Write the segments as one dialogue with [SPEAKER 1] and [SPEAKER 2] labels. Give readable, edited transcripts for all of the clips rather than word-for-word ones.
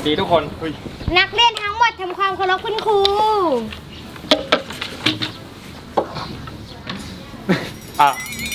[SPEAKER 1] ดีทุกคน
[SPEAKER 2] นักเรียนทั้งหมดทำความเคารพคุณครู
[SPEAKER 1] อ่ะ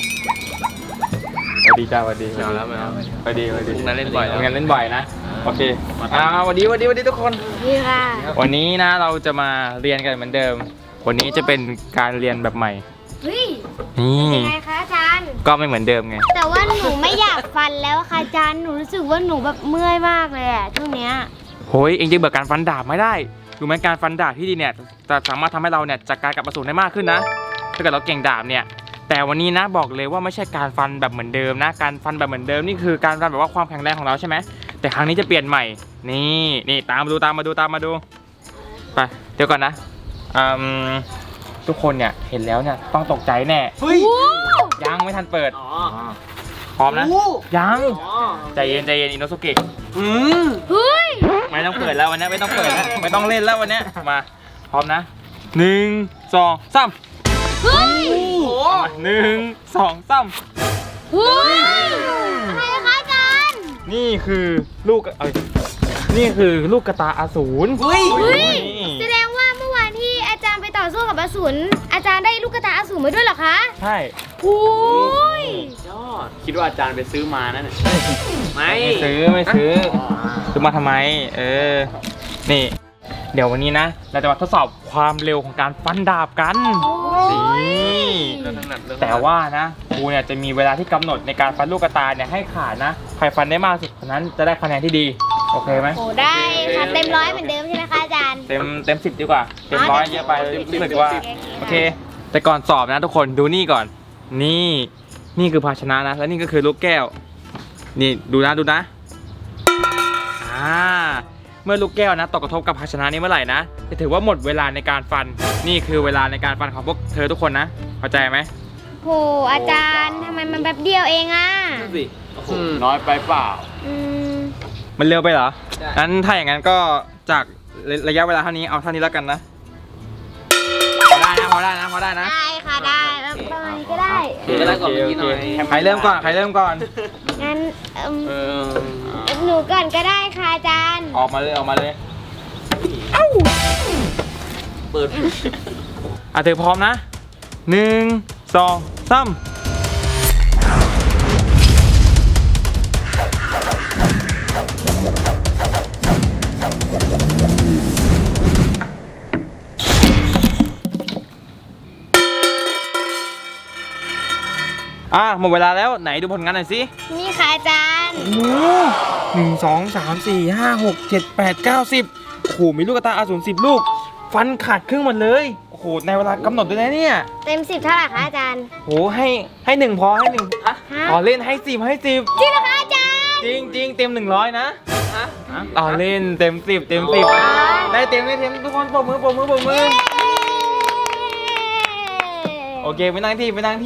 [SPEAKER 1] สวัสดีจ้าสวัสดี
[SPEAKER 3] ไม่เอาแล้วไม่เอา
[SPEAKER 1] สวัสดีสวัสดี
[SPEAKER 3] พรุ่งนั้นเล่นบ่อยแล้ว
[SPEAKER 1] พรุ่งนั้นเล่นบ่อยนะโอเคสวัสดีทุกคน
[SPEAKER 2] นี่ค่ะ
[SPEAKER 1] วันนี้นะเราจะมาเรียนกันเหมือนเดิม วันนี้จะเป็นการเรียนแบบใหม่
[SPEAKER 2] เฮ้ย
[SPEAKER 1] นี่
[SPEAKER 2] เป็นไงคะอาจารย์
[SPEAKER 1] ก็ไม่เหมือนเดิมไง
[SPEAKER 2] แต่ว่าหนูไม่อยากฟันแล้วค่ะอาจารย์ หนูรู้สึกว่าหนูแบบเมื่อยมากเลยอะช่วงเนี้ย
[SPEAKER 1] โฮ้ยเองจะเบื่อการฟันดาบไม่ได้รู้ไหมการฟันดาบที่ดีเนี่ยจะสามารถทำให้เราเนี่ยจัดการกับอสูรได้มากขึ้นนะถ้าเกิดเราเก่งดาบเนี่ยแต่วันนี้นะบอกเลยว่าไม่ใช่การฟันแบบเหมือนเดิมนะการฟันแบบเหมือนเดิมนี่คือการฟันแบบว่าความแข็งแรงของเราใช่ไหมแต่ครั้งนี้จะเปลี่ยนใหม่นี่ตามมาดูไปเดี๋ยวก่อนนะทุกคนเนี่ยเห็นแล้วเนี่ยต้องตกใจแน่
[SPEAKER 3] เฮ้ย
[SPEAKER 1] ยังไม่ทันเปิด
[SPEAKER 3] อ๋อ
[SPEAKER 1] พร้อมนะ
[SPEAKER 3] โอ้
[SPEAKER 1] ยัง
[SPEAKER 3] อ๋อ
[SPEAKER 1] ใจเย็นอินโนสุเกะ
[SPEAKER 2] เฮ้ย
[SPEAKER 1] ไม่ต้องเปิดแล้ววันนี้ไม่ต้องเปิดแล้วไม่ต้องเล่นแล้ววันนี้มาพร้อมนะ1 2 3
[SPEAKER 2] เฮ้ย
[SPEAKER 3] โอ้โห
[SPEAKER 1] 1 2 3
[SPEAKER 2] เฮ้ยอะไรคะอาจารย์
[SPEAKER 1] นี่คือลูกนี่คือลูกกระตาอสูร
[SPEAKER 3] เฮ้ย
[SPEAKER 2] เฮ้ย
[SPEAKER 1] นี่
[SPEAKER 2] แสดงว่าเมื่อวานที่อาจารย์ไปต่อสู้กับอสูรอาจารย์ได้ลูกกระตาอสูรมาด้วยเหรอคะ
[SPEAKER 1] ใช่
[SPEAKER 2] โอ้ย
[SPEAKER 3] ยอดคิดว่าอาจารย์ไปซื้อมานั่นน่ะไม่
[SPEAKER 1] ไม่ซื้อมาทำไมนี่เดี๋ยววันนี้นะเราจะมาทดสอบความเร็วของการฟันดาบกันนี่
[SPEAKER 3] เรื่องถนัดเรื่อง
[SPEAKER 1] แต่ว่านะครูเนี่ยจะมีเวลาที่กำหนดในการฟันลูกกระตายเนี่ยให้ขาดนะใครฟันได้มากสุดคนนั้นจะได้คะแนนที่ดีโอเคไหม
[SPEAKER 2] โอ้ได้ค่ะเต็มร้อยเหมือนเดิมใช่ไหมคะอาจารย์
[SPEAKER 1] เต็ม10ดีกว่าเต็มร้อยเยอะไป
[SPEAKER 2] เต็ม
[SPEAKER 1] รู้สึก
[SPEAKER 2] 10
[SPEAKER 1] ว่าโอเค แต่ก่อนสอบนะทุกคนดูนี่ก่อนนี่คือภาชนะนะแล้วนี่ก็คือลูกแก้วนี่ดูนะเมื่อลูกแก้วนะตกกระทบกับภาชนะนี้เมื่อไหร่นะจะถือว่าหมดเวลาในการฟันนี่คือเวลาในการฟันของพวกเธอทุกคนนะเข้าใจไหม
[SPEAKER 2] โหอาจารย์ทำไมมันแป๊บเดียวเองอ่ะ
[SPEAKER 3] สิโอ้โหน้อยไปเปล่า
[SPEAKER 2] อืม
[SPEAKER 1] มันเร็วไปเหรอ
[SPEAKER 3] ใช่
[SPEAKER 1] งั้นถ้าอย่างนั้นก็จากระยะเวลาเท่านี้เอาเท่านี้แล้วกันนะพอได้นะ
[SPEAKER 2] ได้ค่ะได้แล้วประมาณนี้ก็ได้
[SPEAKER 3] ก็ได้ก่อนเมื่อกี้หน่อย
[SPEAKER 1] ใครเริ่มก่อน
[SPEAKER 2] งั้น
[SPEAKER 3] เออ
[SPEAKER 2] หนูก่อนก็ได้ค่ะอาจารย์
[SPEAKER 1] ออกมาเลย
[SPEAKER 3] เปิด
[SPEAKER 1] เธอพร้อมนะ1 2 3หมดเวลาแล้วไหนดูผลงานหน่อยสิ
[SPEAKER 2] นี่ค่ะอาจารย์
[SPEAKER 1] โอ้1 2 3 4 5 6 7 8 9 10โอ้โหมีลูกกระตาอสูร10 ลูก ฟันขาดครึ่งหมดเลยโอ้โหในเวลากำหนดด้วยนะเนี่ย
[SPEAKER 2] เต็ม10เท่าไหร่คะอาจารย์
[SPEAKER 1] โอ้โหให้1พอให้1
[SPEAKER 2] ฮะ
[SPEAKER 1] ต่อเล่นให้10
[SPEAKER 2] จริงเหรอคะอาจารย์
[SPEAKER 1] จริงเต็ม100นะ
[SPEAKER 3] ฮะ
[SPEAKER 1] ต่อเล่นเต็ม10ได้เต็มทุกคนปรบมือโอเคไปนั่งที่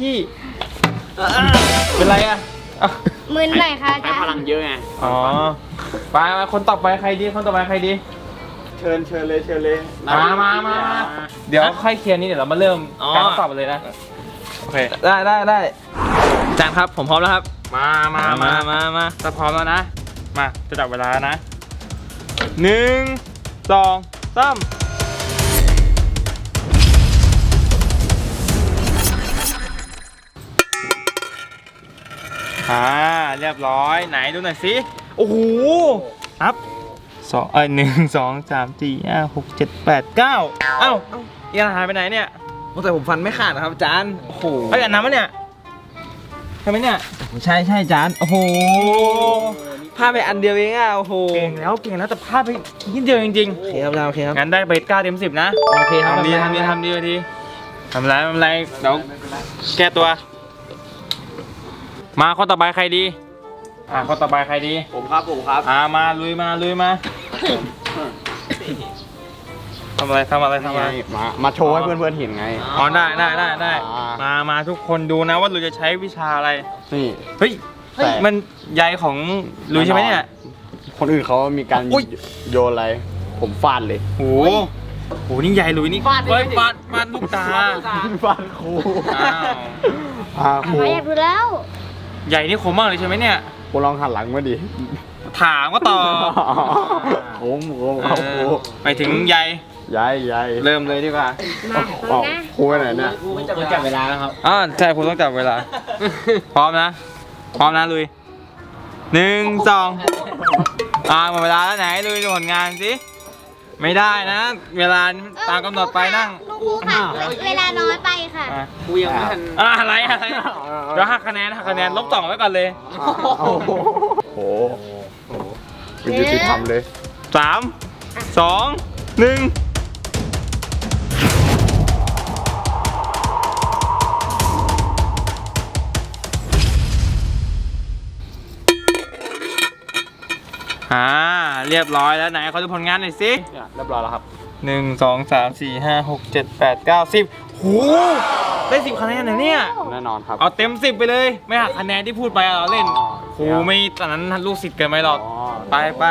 [SPEAKER 1] เป็นไรอ่ะ
[SPEAKER 2] มึนหน่อยค่ะอา
[SPEAKER 3] ใช้
[SPEAKER 2] จาร
[SPEAKER 3] พลัง
[SPEAKER 2] ย์
[SPEAKER 3] เยอะไง
[SPEAKER 1] อ๋อไปคนต่อไปใครดี
[SPEAKER 3] เชิญเลย
[SPEAKER 1] มาเดี๋ยวค่อยเคลียร์นี้เดี๋ยวเรามาเริ่มการทดสอบกันเลยนะโอเคได้อาจารย์ครับผมพร้อมแล้วครับมาถ้าพร้อมแล้วนะมาจะจับเวลานะ1 2 3เรียบร้อยไหนดูหน่อยสิโอ้โหครับ1 2 3 4 5 6 7 8 9เอ้าอีกอันหายไปไหนเนี่ย
[SPEAKER 4] แต่ผมฟันไม่ขาดนะครับอาจารย์ โอ้โห
[SPEAKER 1] เฮ้ยอันน้ำปะเนี่ยใช่ไหมเนี่ย
[SPEAKER 4] ใช่อาจารย์ โอ้โหพลาดไปอันเดียวเองอ่ะ โอ้โห
[SPEAKER 1] เก่งแล้วแต่พลาดไปนิดเดียวจริง
[SPEAKER 4] โอเคครับโอเคครับ
[SPEAKER 1] ๆงั้นได้ไป9 เต็ม 10นะ
[SPEAKER 4] โอเคครับ
[SPEAKER 1] ทำดีทีทำไรเดี๋ยวแก้ตัว มาข้อต่อไปใครดีข้อต่อไปใครดี
[SPEAKER 3] ผมครับ
[SPEAKER 1] มาลุยมาทำอะไร
[SPEAKER 4] มาโชว์ให้เพื่อนๆเห็นไง
[SPEAKER 1] อ๋อได้มาทุกคนดูนะว่าลุยจะใช้วิชาอะไร
[SPEAKER 4] นี่
[SPEAKER 1] เฮ้ย
[SPEAKER 4] แต่
[SPEAKER 1] มันใยของลุยใช่ไหมเนี่ย
[SPEAKER 4] คนอื่นเขามีการ
[SPEAKER 1] อุ๊ย
[SPEAKER 4] โยนอะไร ผมฟาดเลย
[SPEAKER 1] โหนี่ใยลุยนี่ฟาดลูกตา
[SPEAKER 4] ฟาดครู
[SPEAKER 1] อ้าว
[SPEAKER 4] ครู
[SPEAKER 2] อยากดูแล้ว
[SPEAKER 1] ใหญ่นี่คมมากเลยใช่ไหมเนี่ย
[SPEAKER 4] โห
[SPEAKER 3] คุณลองหันหลังมาดิ
[SPEAKER 1] ถามก็ตอบ
[SPEAKER 3] ผมครับครู
[SPEAKER 1] ไปถึงใย
[SPEAKER 3] ยาย
[SPEAKER 1] เริ่มเลยดีกว่า
[SPEAKER 2] มาตรงนะ
[SPEAKER 3] ครูไปไหนเนี่ย
[SPEAKER 4] คุณจับเวลาแล้วครับ
[SPEAKER 1] อ๋อใช่คุณต้องจับเวลา พร้อมนะ พร้อมนะลุย1 2หมดเวลาแล้วไหนลุยดูผลงานสิไม่ได้นะ เวลาตามกำหนดไปนั่ง
[SPEAKER 2] ครูค่ะ เวลาน้อยไปค่ะ
[SPEAKER 3] ครูยังไม่ทัน
[SPEAKER 1] อะไรเดี๋ยวหักคะแนนลบ2ไว้ก่อนเลย
[SPEAKER 3] โอ้โหเป็นยุติธรรมเลย
[SPEAKER 1] 3 2 1เรียบร้อยแล้วไหนขอดูผลงานหน่อยสิ
[SPEAKER 3] เรียบร้อยแล้วครับ
[SPEAKER 1] 1 2 3 4 5 6 7 8 9 10หูได้10คะแนนเหรอเนี่ย
[SPEAKER 3] แน่นอนครับ
[SPEAKER 1] เอาเต็ม10ไปเลย ไม่หักคะแนนที่พูดไปเราเล่นครูไม่ตอนนั้นลูกศิษย์เกินไปหรอก ไป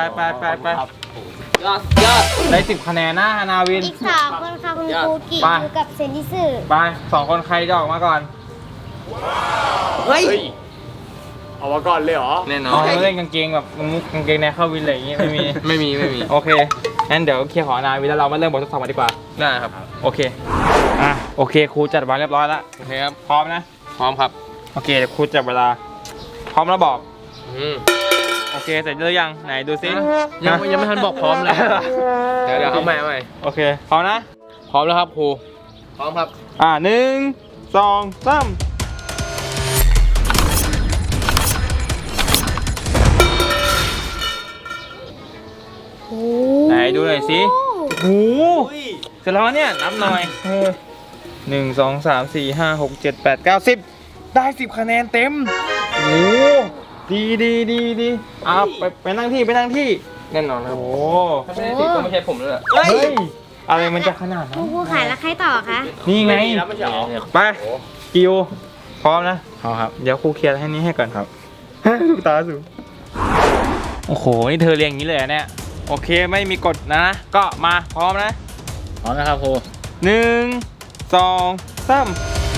[SPEAKER 1] ได้10คะแนนนะฮานาวิน
[SPEAKER 2] อีก3คนค่ะคุณครูกิ
[SPEAKER 1] ไป
[SPEAKER 2] อยู่กับเซนดิสึ
[SPEAKER 1] ไป2คนใครจะออกมาก่อน
[SPEAKER 3] เฮ้ย เอามาก่อนเลยเหรอ
[SPEAKER 4] แน่นอ
[SPEAKER 1] อ๋
[SPEAKER 4] น
[SPEAKER 1] อเล่นกางเกงแบบมุกกางเกงในเข้าวินอะไรอย่างงี้ไม่มี
[SPEAKER 4] ไม่มี
[SPEAKER 1] โอเคงั้นเดี๋ยวเคลียร์ของฮานาวินแล้วเรามาเริ่มบททดสอบกันดีกว่า
[SPEAKER 4] ได้ครับ
[SPEAKER 1] โอเคโอเคครูจัดวางเรียบร้อยแล้ว
[SPEAKER 4] โอเคครับ
[SPEAKER 1] พร้อมนะ
[SPEAKER 4] พร้อมครับ
[SPEAKER 1] โอเคเดี๋ยวครูจับเวลา พร้อมแล้วบอก
[SPEAKER 4] อืม
[SPEAKER 1] โอเคเสร็จหรือยังไหนดูซิ
[SPEAKER 4] ยังไม่ทันบอกพร้อมเลย เดี๋ยวเอาใหม่
[SPEAKER 1] โอเคพร้อมนะ
[SPEAKER 4] พร้อมแล้วครับครู พร้อมครับ
[SPEAKER 1] 1 2 3ไหนดูหน่อยสิโอ้โหเสร็จแล้วเนี่ยนับหน่อย1 2 3 4 5 6 7 8 9 10ได้10คะแนนเต็มโอ้โหดีไปนั่งที่
[SPEAKER 4] แน่นอนครับ
[SPEAKER 1] โอ้
[SPEAKER 4] ถ้าไม่ได้ติดก็ไม่ใช่ผมแล้วแหละ
[SPEAKER 1] เฮ้ยอะไรมันจะขนาด
[SPEAKER 2] ค
[SPEAKER 1] นั้
[SPEAKER 2] รู
[SPEAKER 1] น
[SPEAKER 2] ครูค่ะแล้วใครต่อคะ
[SPEAKER 1] นี่ไง
[SPEAKER 3] แล้วไม่ใช่เหรอ
[SPEAKER 1] ไปกิวพร้อมนะ
[SPEAKER 3] เอาครับ
[SPEAKER 1] เดี๋ยวครูเคลียร์ให้นี้ให้ก่อนครับ ลูกตาสูงโอ้โหนี่เธอเรียงอย่างนี้เลยเหรอเนี่ยโอเคไม่มีกฎนะ ก็มาพร้อมนะ
[SPEAKER 4] พร้อมนะครับครู
[SPEAKER 1] 1 2 3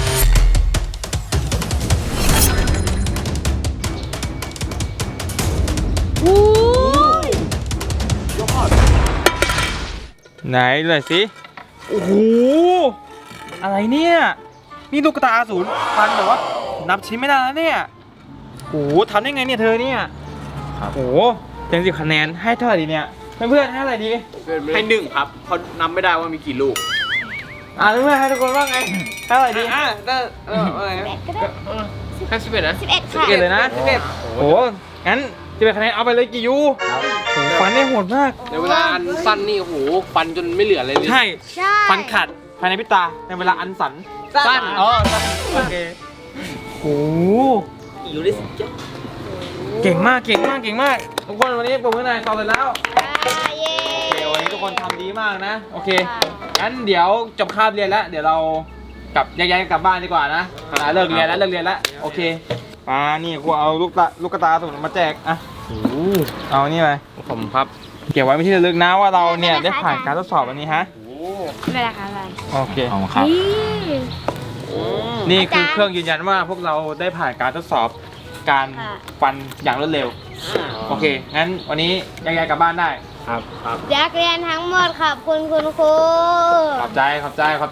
[SPEAKER 1] ไหนดูหน่อยสิโอ้โหอะไรเนี่ยนี่ลูกตาศูนย์ฟันแบบว่านับชิ้นไม่ได้แล้วเนี่ยโอ้โหทำได้ไงเนี่ยเธอเนี่ยโอ้โหเต็ม10คะแนนให้เท่าไหร่ดีเนี่ยเพื่อนๆให้เท่าไหร่ดี
[SPEAKER 3] ให้1ครับเพราะนับไม่ได้ว่ามีกี่ลูก
[SPEAKER 1] เพื่อนๆให้ทุกคนว่าไงให้เท่าไหร่ดี
[SPEAKER 4] ได้อะไร
[SPEAKER 2] 8ก็ได้
[SPEAKER 4] แค่11นะ
[SPEAKER 2] 11ค่ะ
[SPEAKER 1] 11เลยนะโอ้โหงั้น11คะแนนเอาไปเลยกี่ยูโอ้โหฟันได้โหดมาก
[SPEAKER 4] ในเวลาอันสั้นนี่โอ้โหฟันจนไม่เหลืออะไรเลย
[SPEAKER 1] ใช่
[SPEAKER 2] ใช่
[SPEAKER 1] ฟันขาดภายในพริบตาในเวลาอันสั้น
[SPEAKER 4] สั้น
[SPEAKER 1] อ๋อสั้นโอเคโอ้โห
[SPEAKER 4] อยู่ได้สุดยอด
[SPEAKER 1] เก่งมากทุกคนวันนี้ผมกับนายสอบเสร็จแล้ว
[SPEAKER 2] เย้
[SPEAKER 1] โอเควันนี้ทุกคนทำดีมากนะโอเคงั้นเดี๋ยวจบคาบเรียนแล้วเดี๋ยวเรากลับแยกย้ายกันกลับบ้านดีกว่านะเลิกเรียนแล้วโอเคมานี่กูเอาลูกกระตาสมุนมาแจกอ่ะเอานี่ไป
[SPEAKER 4] ผมครับ
[SPEAKER 1] เก็บไว้เป็นที่ระลึกนะว่าเราเนี่ยได้ผ่านการทดสอบวันนี้ฮะ
[SPEAKER 2] เวลาค่ะอะไร
[SPEAKER 1] โอเค
[SPEAKER 4] ครับ
[SPEAKER 1] นี่คือเครื่องยืนยันว่าพวกเราได้ผ่านการทดสอบการฟันอย่างรวดเร็วโอเคงั้นวันนี้แยกย้ายกลับบ้านได้
[SPEAKER 3] ครับ
[SPEAKER 2] นักเรียนทั้งหมดขอบคุณคุณครู
[SPEAKER 1] ขอบใจอ่ะ
[SPEAKER 2] ขอบคุณ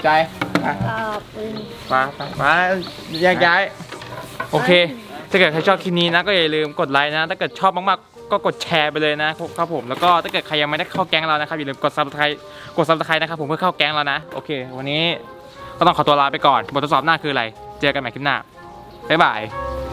[SPEAKER 1] มาแยกย้ายโอเคถ้าเกิดใครชอบคลิปนี้นะก็อย่าลืมกดไลค์นะถ้าเกิดชอบมากๆก็กดแชร์ไปเลยนะครับผมแล้วก็ถ้าเกิดใครยังไม่ได้เข้าแก๊งเรานะครับอย่าลืมกด subscribe นะครับผมเพื่อเข้าแก๊งเรานะโอเควันนี้ก็ต้องขอตัวลาไปก่อนบททดสอบหน้าคืออะไรเจอกันใหม่คลิปหน้าบ๊ายบาย